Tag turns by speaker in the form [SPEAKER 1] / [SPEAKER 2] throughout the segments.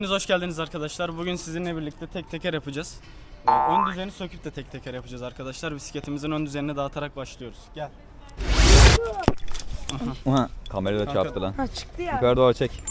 [SPEAKER 1] Hoş geldiniz arkadaşlar. Bugün sizinle birlikte tek teker yapacağız. Ön düzeni söküp de tek teker yapacağız arkadaşlar. Bisikletimizin ön düzenini dağıtarak başlıyoruz. Gel.
[SPEAKER 2] Kamerayı da çarptı lan.
[SPEAKER 3] Ha çıktı ya.
[SPEAKER 2] Yukarı doğru çek.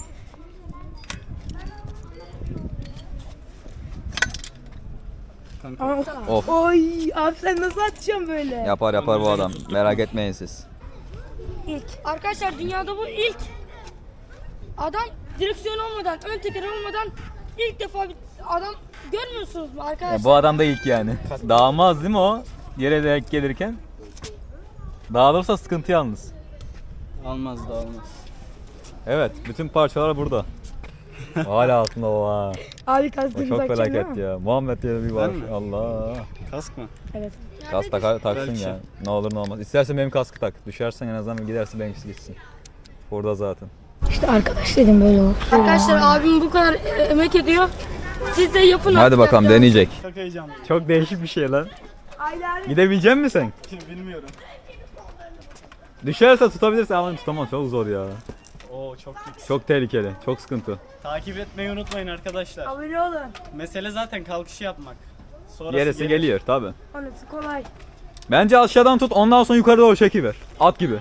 [SPEAKER 1] Kanka.
[SPEAKER 2] Of.
[SPEAKER 3] Oy abi sen nasıl atacaksın böyle?
[SPEAKER 2] Yapar bu adam. Merak etmeyin siz.
[SPEAKER 4] İlk. Arkadaşlar dünyada bu ilk. Adam direksiyon olmadan, ön teker olmadan ilk defa bir adam görmüyorsunuz mu arkadaşlar?
[SPEAKER 2] Bu adam da ilk yani. Dağılmaz değil mi o? Yere denk gelirken. Dağılırsa sıkıntı yalnız.
[SPEAKER 1] Almaz da almaz.
[SPEAKER 2] Evet, bütün parçalar burada. Hala altında o ha.
[SPEAKER 3] Abi
[SPEAKER 2] O
[SPEAKER 3] kastını
[SPEAKER 2] çok
[SPEAKER 3] takacaksın değil
[SPEAKER 2] felaket
[SPEAKER 3] mi?
[SPEAKER 2] ya. Muhammed diye bir var.
[SPEAKER 1] Ben mi?
[SPEAKER 2] Allah.
[SPEAKER 1] Kask mı?
[SPEAKER 3] Evet.
[SPEAKER 2] Kask taksın
[SPEAKER 1] Belki.
[SPEAKER 2] ya. Ne olur ne olmaz. İstersen benim kaskı tak. Düşersen en azından giderse benimkisi gitsin. Burada zaten.
[SPEAKER 3] İşte arkadaş dedim böyle olur.
[SPEAKER 4] Arkadaşlar abim bu kadar emek ediyor. Siz de yapın.
[SPEAKER 2] Hadi
[SPEAKER 4] artık
[SPEAKER 2] bakalım
[SPEAKER 4] ya.
[SPEAKER 2] deneyecek.
[SPEAKER 1] Çok heyecanlı.
[SPEAKER 2] Çok değişik bir şey lan.
[SPEAKER 3] Aynen.
[SPEAKER 2] Gidebilecek misin sen?
[SPEAKER 1] Bilmiyorum.
[SPEAKER 2] Düşerse tutabilirsin ama tutamam, çok zor ya.
[SPEAKER 1] Oo çok lüks.
[SPEAKER 2] Çok tehlikeli, çok sıkıntı.
[SPEAKER 1] Takip etmeyi unutmayın arkadaşlar.
[SPEAKER 3] Abone olun.
[SPEAKER 1] Mesele zaten kalkışı yapmak. Sonrası
[SPEAKER 2] Gerisi
[SPEAKER 1] gelir.
[SPEAKER 2] geliyor tabi.
[SPEAKER 3] Anası kolay.
[SPEAKER 2] Bence aşağıdan tut, ondan sonra yukarı doğru çekiver. At gibi.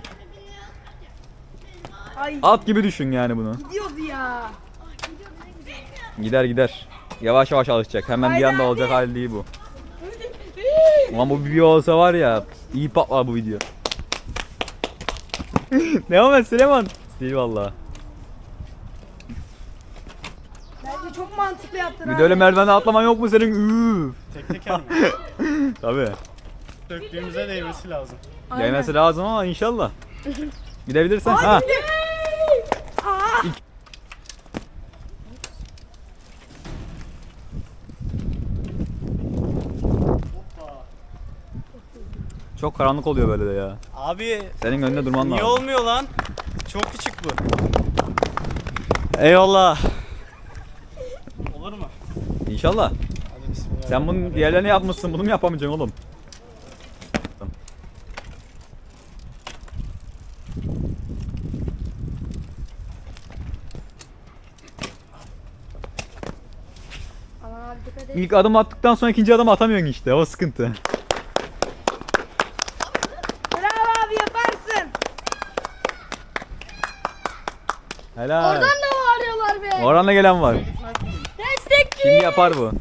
[SPEAKER 3] Ay
[SPEAKER 2] At gibi düşün yani bunu.
[SPEAKER 3] gidiyordu ya.
[SPEAKER 2] Gider. Yavaş yavaş alışacak. Hemen bir
[SPEAKER 3] Haydi
[SPEAKER 2] anda
[SPEAKER 3] abi.
[SPEAKER 2] olacak hali değil bu. Ulan bu bir video olsa var ya, iyi patlar bu video. Devam et Süleyman. Değil valla.
[SPEAKER 3] Bence çok mantıklı yaptın
[SPEAKER 2] Bir
[SPEAKER 3] abi.
[SPEAKER 2] de öyle merdivenden atlaman yok mu senin? Üf.
[SPEAKER 1] Tek teker mi?
[SPEAKER 2] Tabii.
[SPEAKER 1] Döktüğümüze değmesi lazım.
[SPEAKER 3] Aynen.
[SPEAKER 2] Değmesi lazım ama inşallah. Gidebilirsen. Ha.
[SPEAKER 3] Aa.
[SPEAKER 2] Çok karanlık oluyor böyle de ya.
[SPEAKER 1] Abi
[SPEAKER 2] Senin önünde durman
[SPEAKER 1] niye
[SPEAKER 2] lazım.
[SPEAKER 1] olmuyor lan? Çok küçük bu. Eyvallah. Olur mu?
[SPEAKER 2] İnşallah.
[SPEAKER 1] Hadi bismillah.
[SPEAKER 2] Sen bunun diğerlerini yapmışsın, bunu mu yapamayacaksın oğlum?
[SPEAKER 4] Aman abi dikkat et.
[SPEAKER 2] İlk adım attıktan sonra ikinci adım atamıyorsun işte, o sıkıntı.
[SPEAKER 3] Bravo abi yaparsın.
[SPEAKER 2] Helal.
[SPEAKER 4] Oradan da bağırıyorlar be.
[SPEAKER 2] Orhan'la gelen var.
[SPEAKER 4] Destekli.
[SPEAKER 2] Şimdi yapar bu.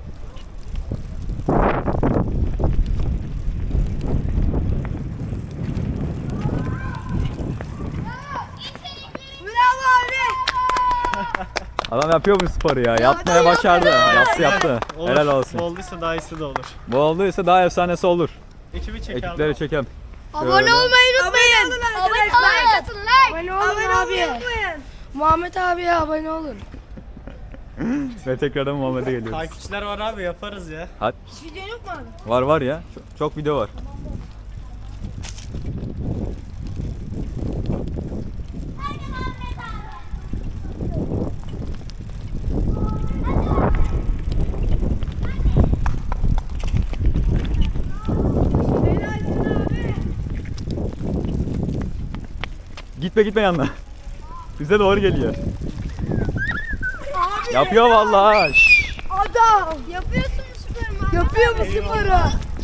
[SPEAKER 3] Bravo abi.
[SPEAKER 2] Adam yapıyor bu sporu ya. Yapmaya başardı. Yaptı.
[SPEAKER 1] Olur.
[SPEAKER 2] Helal olsun.
[SPEAKER 1] Bu olduysa daha iyisi de olur.
[SPEAKER 2] Bu olduysa daha efsanesi olur.
[SPEAKER 1] Ekibi çek
[SPEAKER 2] Ekipleri
[SPEAKER 1] abi.
[SPEAKER 2] çekelim.
[SPEAKER 4] Abone
[SPEAKER 2] Şöyle.
[SPEAKER 4] olmayı unutmayın.
[SPEAKER 3] olun
[SPEAKER 4] Abone
[SPEAKER 3] arkadaşlar.
[SPEAKER 4] olun. Like. Abone
[SPEAKER 3] Abone
[SPEAKER 4] olun
[SPEAKER 3] olmayı
[SPEAKER 4] abi.
[SPEAKER 3] unutmayın.
[SPEAKER 4] Muhammed abiye abone olun.
[SPEAKER 2] Ve tekrardan Muhammed'e geliyoruz.
[SPEAKER 1] Takipçiler var abi yaparız ya.
[SPEAKER 2] Hadi.
[SPEAKER 3] Hiç video yok mu abi?
[SPEAKER 2] Var ya. Çok video var. Gitme yanına. Bize doğru geliyor. Yapıyor vallahi. Şşş.
[SPEAKER 3] Adam.
[SPEAKER 4] Yapıyorsun sporu.
[SPEAKER 3] Yapıyor bu sporu.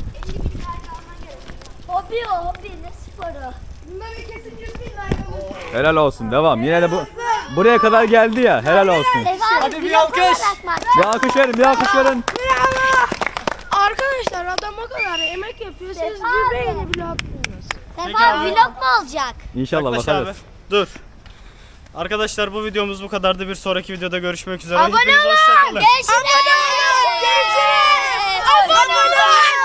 [SPEAKER 4] Hobi ne sporu?
[SPEAKER 3] Bunda bir kesin 100 bin like olur.
[SPEAKER 2] Helal olsun. Devam. Yine de bu buraya kadar geldi ya. Helal olsun.
[SPEAKER 1] Hadi bir alkış.
[SPEAKER 2] Bir alkış verin. Bir alkış verin.
[SPEAKER 4] Arkadaşlar adam o kadar emek yapıyor. Siz bir beğeni bile atmıyorsunuz.
[SPEAKER 1] Sefa
[SPEAKER 5] Vlog mu olacak?
[SPEAKER 2] İnşallah
[SPEAKER 1] Yaklaş
[SPEAKER 2] bakarız.
[SPEAKER 1] abi. Dur. Arkadaşlar bu videomuz bu kadardı. Bir sonraki videoda görüşmek üzere.
[SPEAKER 5] Abone
[SPEAKER 1] Hepiniz hoşça kalın.
[SPEAKER 5] Görüşürüz.